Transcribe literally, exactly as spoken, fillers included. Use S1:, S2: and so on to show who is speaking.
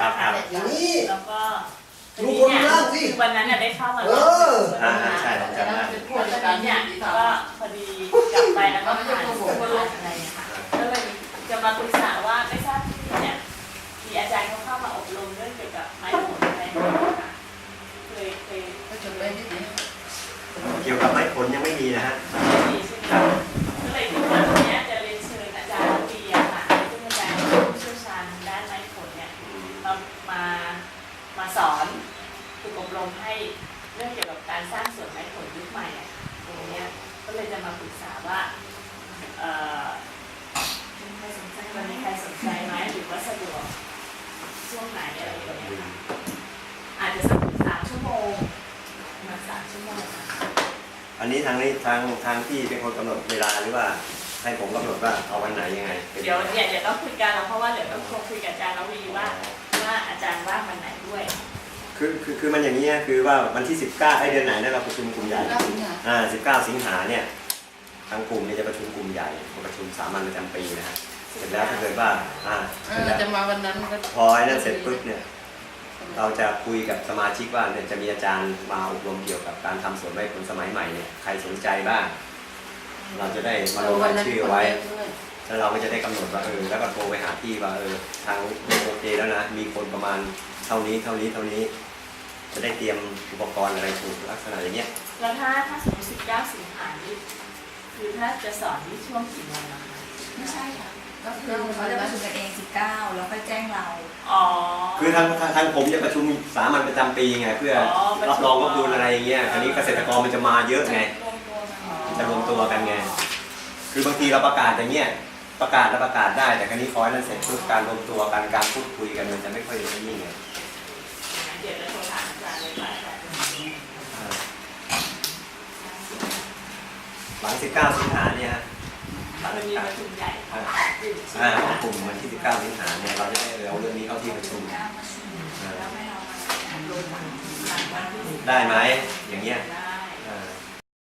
S1: นะคะแล้วก็ทีนี้เนี่ยวันนั้นได้เข้ามาแล้วนะคะใช่ผมจำได้วันนั้นเนี่ยก็พอดีกลับไปแล้วก็ผ่านอะไรค่ะก็เลยจะมาปรึกษาว่าไม่ทราบที่เนี่ยมีอาจารย์เขาเข้ามาอบรมเรื่องเกี่ยวกับไม้ผลอะไรนะคะเคยเคย
S2: เกี่ยวกับไม้ผลยังไม่มีนะฮะ
S1: ไม่มีใช่ไหมก็เลยคิดว่าตรงนี้จะเรียนเชิญอาจารย์ระวีอะค่ะซึ่งอาจารย์ผู้เชี่ยวชาญด้านไม้ผลเนี่ยมามามาสอนฝึกอบรมให้เรื่องเกี่ยวกับการสร้างสวนไม้ผลยุคใหม่อะตรงนี้ก็เลยจะมาปรึกษาว่าเอ่อมีใครสนใจวันนี้ใครสนใจไหมหรือว่าสะดวกช่วงไหนอะไรอย่างเงี้ยค่ะอาจจะสักสามชั่วโมงมาสามชั่วโมง
S2: อันนี้ทางนี้ทางทางที่เป็นคนกำหนดเวลาหรือว่าให้ผมกำหนดว่าเอาวันไหนยังไง
S1: เดี๋ยวเนี่ยเดี๋ยวต้องคุยกันแล้วเพราะว่าเดี๋ยวต้องคุยกับอาจารย์ระวีว่าว่าอาจารย์ว่างวันไหนด้วย
S2: คือคือคือมันอย่างนี้คือว่าวันที่สิบเก้าไอเดือนไหนนะเราประชุมกลุ่มใหญ่อ่าสิบเก้าสิงหาเนี่ยทางกลุ่มเนี่ยจะประชุมกลุ่มใหญ่ประชุมสามัญประจำปีนะฮะเสร็จแล้วถ้าเกิดว่าอ่า
S3: จะมาวันนั้นก็
S2: พอไอ้นั่นเสร็จปุ๊บเนี่ยเราจะคุยกับสมาชิกว่าเนี่ยจะมีอาจารย์มาอบรมเกี่ยวกับการทำสวนไม้ผลสมัยใหม่เนี่ยใครสนใจบ้างเราจะได้มาลงรายชื่อไว้แล้วเราก็จะได้กำหนดว่าเออแล้วก็โทรไปหาพี่ว่าเออทางโอเคแล้วนะมีคนประมาณเท่านี้เท่านี้เท่านี้จะได้เตรียมอุปกรณ์อะไรถูกลักษณะอย่างเงี้ย
S1: แล้วถ้าถ้าสมมติสิบเก้าสิงหาคมคือถ้าจะสอนที่ช่วงกี่โมงนะคะ
S4: ไม่ใช่ค่ะก็คือเขาจะประชุมกันเองสิบเก้าแล้วค่อยแจ้งเรา
S1: อ๋อ
S2: คือทางทางผมจะประชุมสามัญประจำปีไงเพื่อรับรองรับดูอะไรอย่างเงี้ยอันนี้เกษตรกรมันจะมาเยอะไงจะรวมตัวกันไงคือบางทีเราประกาศอย่างเงี้ยประกาศเราประกาศได้แต่ครั้นี้คอยนั้นเสร็จปุ๊บการรวมตัวกันการพูดคุยกันมันจะไม่ค่อยได้ยิ่งไง
S1: เดี๋ยวจะโทรถามอาจารย์เลยค่ะ
S2: หลังสิบเก้าสิงหาเนี่ยฮะ
S1: มันมีประชุมใหญ่
S2: อ่ากลุ่มวันที่สิบเก้าสิงหาเนี่ยเราจะได้เอาเรื่องนี้เข้าที่ประชุมได้ไหมอย่างเงี้ย